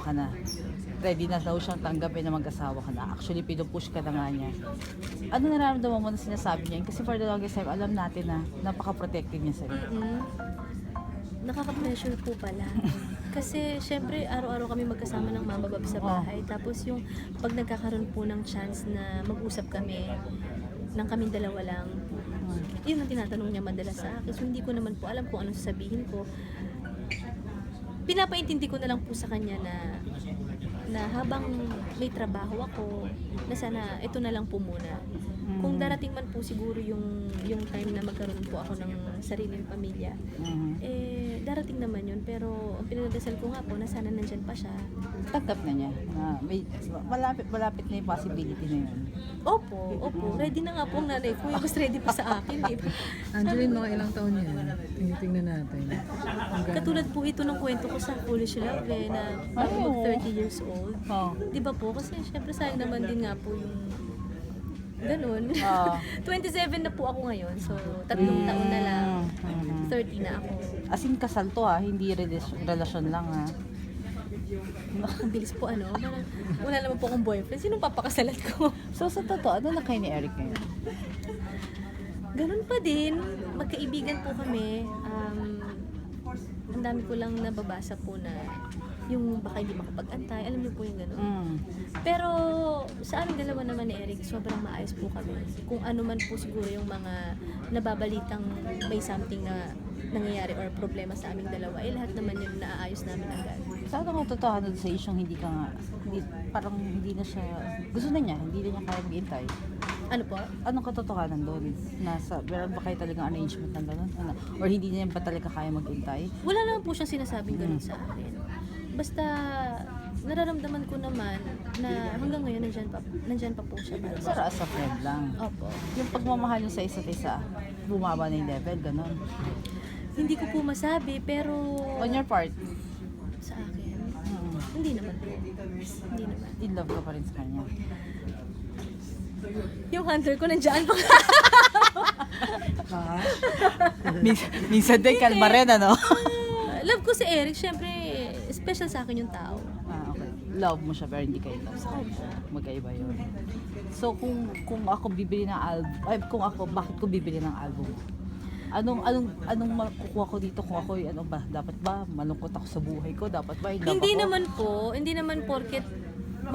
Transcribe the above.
ka na. Ready na daw siyang tanggapin na mag-asawa ka na. Actually, pinupush ka na nga niya. Ano nararamdaman mo na sinasabi niya? Kasi for the longest time, alam natin na napaka-protective niya sa'yo. Nakaka-pressure po pala. Kasi syempre araw-araw kami magkasama ng mama bab sa bahay. Tapos yung pag nagkakaroon po ng chance na mag-usap kami ng kaming dalawa lang, yun ang tinatanong niya madalas sa akin. So hindi ko naman po alam kung anong sasabihin ko. Pinapaintindi ko na lang po sa kanya na habang may trabaho ako, na sana ito na lang po muna. Kung darating man po siguro yung time na magkaroon po ako ng sariling pamilya, darating naman yun. Pero ang pinagdasal ko nga po na sana nandyan pa siya. Tanggap na niya. Na malapit na yung possibility na yun. Opo. Ready na nga po ang nanay ko. Mas ready pa sa akin. Angeline, mga ilang taon yan? Tingnan natin. Katulad po ito ng kwento ko sa Foolish Love na bago mag 30 years old. Di ba po? Kasi syempre sayang naman din nga po yung ganun. 27 na po ako ngayon. So, 3 taon na lang. 30 na ako. As in, kasal to hindi relasyon lang Ang bilis po parang wala naman po akong boyfriend. Sinong papakasalan ko? So sa totoo, ano na kayo ni Eric ngayon? Ganun pa din. Magkaibigan po kami. Ang dami ko lang nababasa po na yung baka hindi makapag-antay. Alam niyo po yung ganun. Pero sa aming dalawa naman ni Eric, sobrang maayos po kami. Kung ano man po siguro yung mga nababalitang may something na nangyayari or problema sa aming dalawa, lahat naman yun naaayos namin agad. Sa ano kung totoo sa isyong parang hindi na siya, gusto na niya, hindi na niya kaya mag-intay? Ano po? Anong katotohanan doon? Meron ba kayo talagang arrangement ng gano'n? Or hindi niya ba talaga kaya mag-intay? Wala naman po siyang sinasabing ganun sa akin. Basta nararamdaman ko naman na hanggang ngayon nandyan pa po siya. Pero as a friend lang. Opo. Yung pagmamahal niyo sa isa't isa, bumaba na yung level, gano'n? Hindi ko po masabi, pero On your part, sa akin, hindi naman po. Hindi naman. in love ka pa rin sa kanya. Yung hunter ko nandiyan pa. Minsan din, kalma rin, Love ko si Eric, syempre special sa akin yung tao. Okay. Love mo siya pero hindi kayo love sa kanya. Magkaiba yun. So kung ako bibili ng album, bakit ko bibili ng album? Anong makukuha ko dito kung ako dapat ba malungkot ako sa buhay ko? Dapat ba in love Hindi ako? naman porket